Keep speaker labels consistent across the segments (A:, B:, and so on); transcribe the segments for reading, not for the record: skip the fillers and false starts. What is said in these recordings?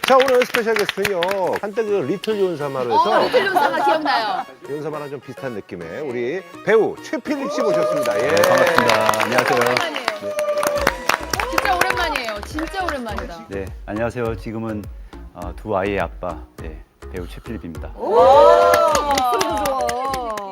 A: 자, 오늘 스페셜 게스트는요. 한때 그 리틀 요은사마로 해서
B: 리틀 요사마 기억나요?
A: 요은사마랑 좀 비슷한 느낌의 우리 배우 최필립 씨 모셨습니다. 예.
C: 네, 반갑습니다. 안녕하세요.
B: 오랜만이에요. 진짜 오랜만이에요. 진짜 오랜만이다.
C: 네, 안녕하세요. 지금은 두 아이의 아빠, 네, 배우 최필립입니다.
D: 목소리도 좋아.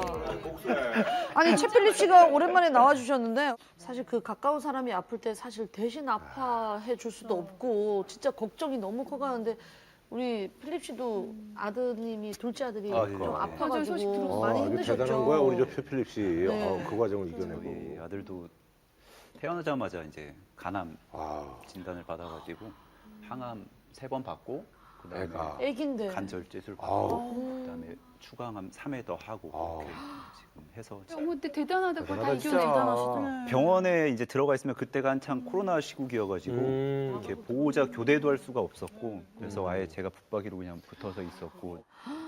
D: 아니 최필립 씨가 오랜만에 나와주셨는데 사실 그 가까운 사람이 아플 때 사실 대신 아파해 줄 수도 없고 진짜 걱정이 너무 커가는데 우리 필립 씨도 아드님이 둘째 아들이
C: 아, 예.
D: 좀
C: 네.
B: 맞아요. 소식
D: 아파가지고
B: 들었어요.
D: 많이
A: 아주
D: 힘드셨죠.
A: 대단한 거야, 우리 저 최필립 씨.
D: 네.
A: 그 과정을
C: 저희
A: 이겨내고.
C: 아들도 태어나자마자 이제 간암
A: 아,
C: 진단을 받아가지고 항암 3번 받고 그다음에
A: 애가.
D: 애긴데.
C: 관절제술
A: 아우.
C: 받고 그다음에 추가암 3회 더 하고
A: 아우.
C: 이렇게 지금 해서
B: 어머, 근데 대단하다. 그걸 다
A: 대단하다,
B: 이겨내.
C: 병원에 이제 들어가 있으면 그때가 한창 코로나 시국이어가지고 이렇게 보호자 교대도 할 수가 없었고 그래서 아예 제가 붙박이로 그냥 붙어서 있었고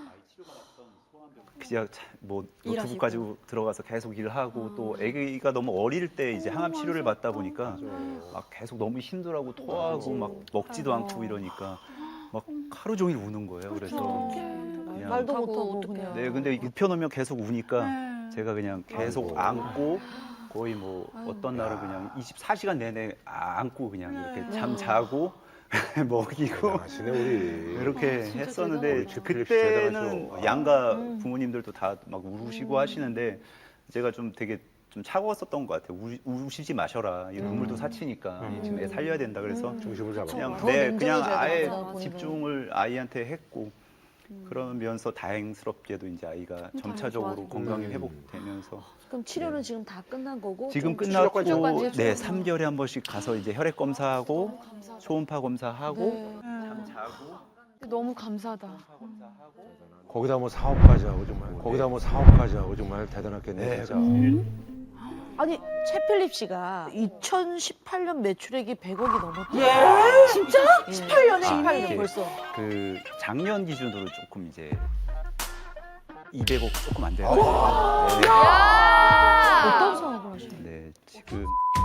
C: 그냥 뭐 노트북 가지고 들어가서 계속 일하고 또 아기가 너무 어릴 때 이제 항암 치료를 받다 보니까 막 계속 너무 힘들하고 토하고 막 먹지도 않고 이러니까 막 하루 종일 우는 거예요. 그래서 그냥
D: 말도
B: 하고
D: 못하고
B: 어떡해요.
D: 그냥.
C: 네, 근데 눕혀놓으면 계속 우니까 제가 그냥 계속
A: 아이고.
C: 안고 거의 뭐 어떤 날은 그냥 24시간 내내 안고 그냥 이렇게 잠 자고 먹이고
A: 하시네, 우리.
C: 이렇게
B: 진짜
C: 했었는데
A: 대단하다. 우리
C: 그때는
A: 대단하죠.
C: 양가 부모님들도 다 막 우시고 하시는데 제가 좀 되게 좀 차가웠었던 것 같아요. 우시지 마셔라. 이 눈물도 사치니까 지금 애 살려야 된다. 그래서
A: 중심을 잡아.
C: 그냥
D: 더
C: 그냥
D: 냉정해져야
C: 아예
D: 되겠다, 본인은.
C: 집중을 아이한테 했고 그러면서 다행스럽게도 이제 아이가 점차적으로
D: 좋아지고.
C: 건강이 회복되면서
D: 그럼 치료는 지금 다 끝난 거고
C: 지금
D: 좀
C: 끝났고
B: 치료까지
C: 네
B: 해주고.
C: 3개월에 한 번씩 가서 이제 혈액 검사하고 초음파 검사하고
D: 네.
C: 잠 자고
B: 너무 감사하다.
A: 거기다 뭐 사업까지 하고 정말. 거기다 뭐 사업까지 하고 정말 대단했겠네,
C: 네.
A: 진짜.
D: 아니 최필립 씨가 2018년 매출액이 100억이 넘었대요. 진짜? 18년에 18년
C: 이게
D: 벌써.
C: 그 작년 기준으로 조금 이제 200억 조금 안 돼요.
B: 야!
D: 어떤 사업을 하시나요?
C: 네, 지금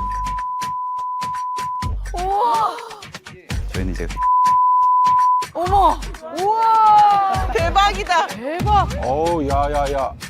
C: 저희는 이제
E: 어머! 우와! 대박이다!
D: 대박.
A: 어우, 야.